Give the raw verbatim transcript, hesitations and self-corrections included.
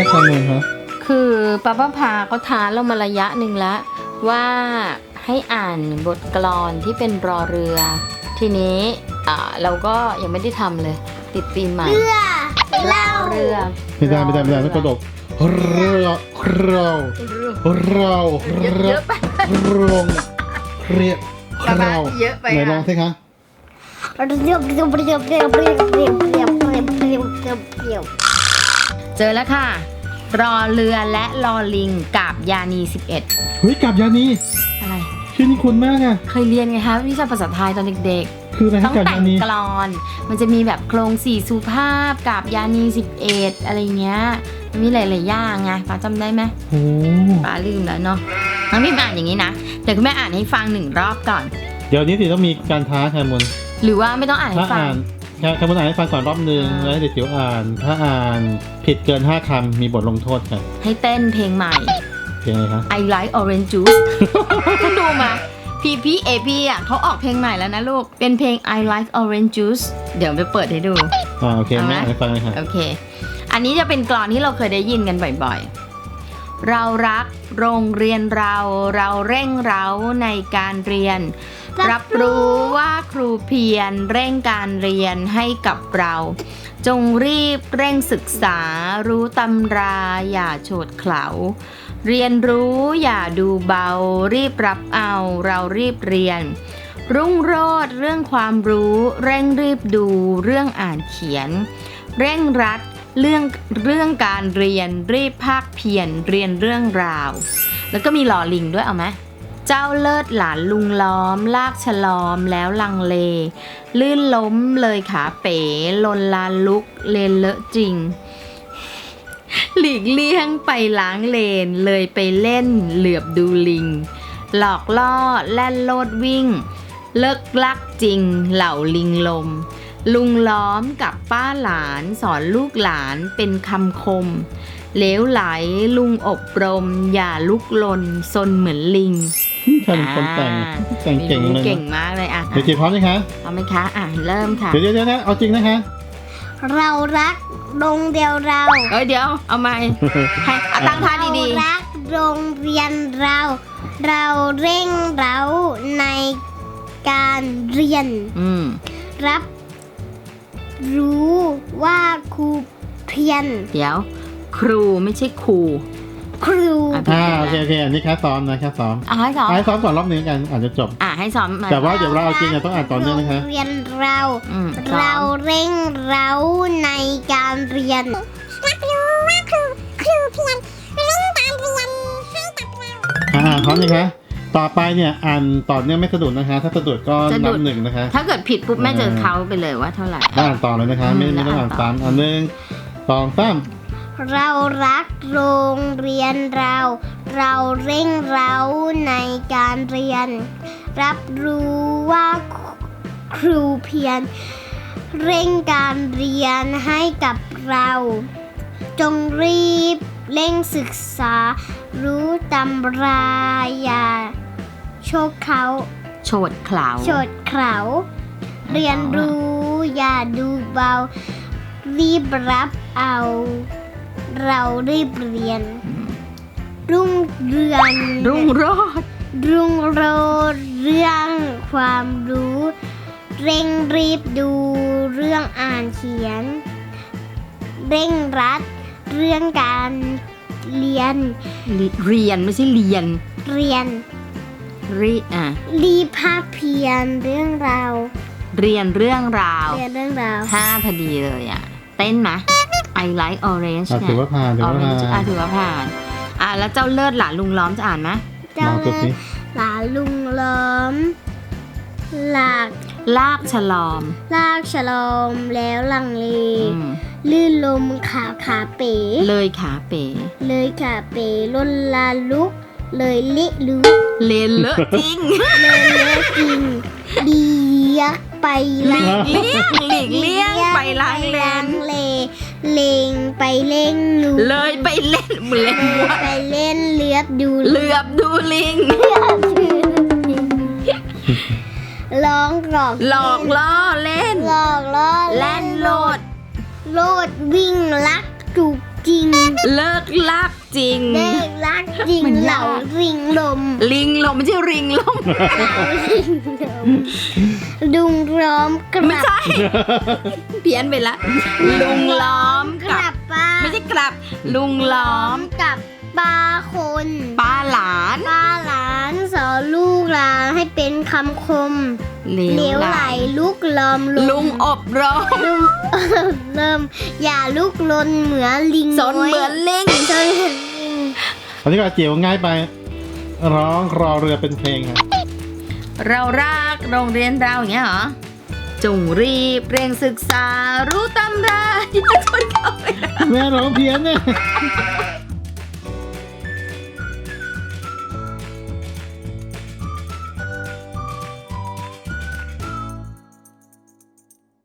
ทำไงคะคือป้าป้าพาก็ท้าเรามาระยะหนึ่งแล้วว่าให้อ่านบทกลอนที่เป็นรอเรือทีนี้อ่าเราก็ยังไม่ได้ทำเลยติดปีใหม่เรือเล่าเรือไม่ได้ไม่ได้ไม่ได้ต้องกระดกเราเราเราเรารงเรียกเราเยอะไปไหนลองสิคะเรียบเรียบเรียบเรียบเรียบเรียบเรียบเรียบเรียบเรียบเรียบเจอแล้วค่ะรอเรือและรอลิงกาบยานีสิบเอ็ดเฮ้ยกาบยานีอะไรชื่อนี้คุ้นมากอะเคยเรียนไงคะวิชาภาษาไทยตอนเด็กๆคืออะไรต้องแต่งกลอนมันจะมีแบบโครงสี่สุภาพกาบยานีสิบเอ็ดอะไรเงี้ยมันมีหลายๆอย่างไงป้าจำได้ไหมโอ้ป้าลืมแล้วเนาะน้องนี่อ่านอย่างนี้นะแต่คุณแม่อ่านให้ฟังหนึ่งรอบก่อนเดี๋ยวนี้สิต้องมีการท้าแคมุนหรือว่าไม่ต้องอ่านให้ฟังแคมุนอ่านให้ฟังก่อนรอบนึงแล้วเดี๋ยวจิ๋วอ่านถ้าอ่านผิดเกินห้าคำมีบทลงโทษค่ะให้เต้นเพลงใหม่เพลงอะไรคะ I like orange juice คุณดูมาพีพีเอพีอ่ะเขาออกเพลงใหม่แล้วนะลูกเป็นเพลง I like orange juice เดี๋ยวไปเปิดให้ดูอ่าโอเคแม่ให้ฟังเลยค่ะโอเคอันนี้จะเป็นกลอนที่เราเคยได้ยินกันบ่อยๆเรารักโรงเรียนเราเราเร่งเร้าในการเรียนรับรู้ว่าครูเพียรเร่งการเรียนให้กับเราจงรีบเร่งศึกษารู้ตำราอย่าโฉดเขลาเรียนรู้อย่าดูเบารีบรับเอาเรารีบเรียนรุ่งโรจน์เรื่องความรู้เร่งรีบดูเรื่องอ่านเขียนเร่งรัดเรื่องเรื่องการเรียนรีบภาคเพียรเรียนเรื่องราวแล้วก็มีหล่อลิงด้วยเอาไหมเจ้าเลิศหลานลุงล้อมลากฉลอมแล้วลังเลลื่นล้มเลยขาเป๋ลนลานลุกเลนเลอะจริงหลีกเลี่ยงไปล้างเลนเลยไปเล่นเหลือบดูลิงหลอกล่อแล่นโลดวิ่งเลิกลักจริงเหล่าลิงลมลุงล้อมกับป้าหลานสอนลูกหลานเป็นคำคมเหลวไหลลุงอบรมอย่าลุกลนซนเหมือนลิงท่านคนแต่งแต่งเก่งเลยเก่งมากเลยอ่ะเดี๋ยวจีพร้อมไหมคะพร้อมไหมคะอ่ะเริ่มค่ะเดี๋ยวเดี๋ยวนะเอาจริงนะคะเรารักโรงเดียวเราเอ้ยเดี๋ยวเอาใหม่ให้ตั้งท่าดีๆเรารักโรงเรียนเราเราเร่งเร้าในการเรียนรับรู้ว่าครูเพียรเดี๋ยวครูไม่ใช่ครูครูอ่าโอเคโอเคอันนี้แค่ซ้อมนะแค่ซ้อมอ่าให้ซ้อมให้ซ้อมก่อนรอบนึงกันอาจจะจบอ่าให้ซ้อมแต่ว่าเดี๋ยวเราเอาจริงต้องอ่านต่อเนื่องนะคะเรียนเราเราเร่งเร้าในการเรียนรับรู้ว่าครูครูเพียรเร่งการเรียนให้กับเราอ่าพร้อมนะคะต่อไปเนี่ยอ่านต่อเนื่องไม่สะดุดนะคะถ้าสะดุดก็นับหนึ่งนะคะถ้าเกิดผิดปุ๊บแม่จะเขาไปเลยว่าเท่าไหร่อ่านต่อเลยนะคะไม่ไม่ต้องอ่านซ้ำอันหนึ่งสองสามเรารักโรงเรียนเราเราเร่งเร้าในการเรียนรับรู้ว่าครูเพียรเร่งการเรียนให้กับเราจงรีบเร่งศึกษารู้ตำราอย่าโชกเขาโฉดเขลาโฉดเขลาเรียนรู้อย่าดูเบารีบรับเอาเรารีบเรียนรุ่งเรืองรุ่งโรจน์รุ่งโรจน์เรื่องความรู้เร่งรีบดูเรื่องอ่านเขียนเร่งรัดเรื่องการเรียนเรียนไม่ใช่เรียนเรียนรีอ่ะรีภาคเพียรเรื่องราวเรียนเรื่องราวเรียนเรื่องราวห้าพอดีเลยอ่ะเต้นไหมI like orange เนี่ยถือว่าผ่านถือว่าผ่านอ่ะถือว่าผ่านอ่ะแล้วเจ้าเลิศหลานลุงล้อมจะอ่านไหมเจ้าเลิศหลานลุงล้อมหลากลากฉลอมลากฉลอมแล้วลังเลลื่นลมขาขาเป๋เลยขาเป๋เลยขาเป๋ล้นลาลุกเลยเละลุกเลนเลอะจริงเลยเลอะจริงดียักไปหลีกเลี่ยงหลีกเลี่ยงไปล้างเลนเลงไปเล่นลูเลยไปเล่นเหมือนไปเล่นเลือบดูเลือบดูลิงร้องหลอกหลอกล่อเล่นหลอกล่อเล่นโลดโลดวิ่งลักจูบจริงเลิกลากจริงเลิกรักจริงมันเหยากล่าริงลมลิงลมไม่ใช่ริงลมดุงล้อมกไม่ลับใช่ เพี้ยนไปละ ลุงล้อมกกัลับบป้าไม่ใช่กลับ ลุงล้อมกับป้าคนป้าหลานป้าหลานสอนลูกหลานให้เป็นคำคมเหลเหลววไหไหลลลุกลอมลุงอบรมลุง เริ่มอย่าลุกลนเหมือนลิงสนเหมือนลิงจนเหมือนลิงอันนี้ก็จิ๋วง่ายไป ร้องรอเรือเป็นเพลงค่ะเรารักโรงเรียนเราอย่างเงี้ยเหรอ จงรีบเร่งศึกษารู้ตำราอย่าทนเข้าไปนะแม่ร้องเพี้ยนเนี่ยเ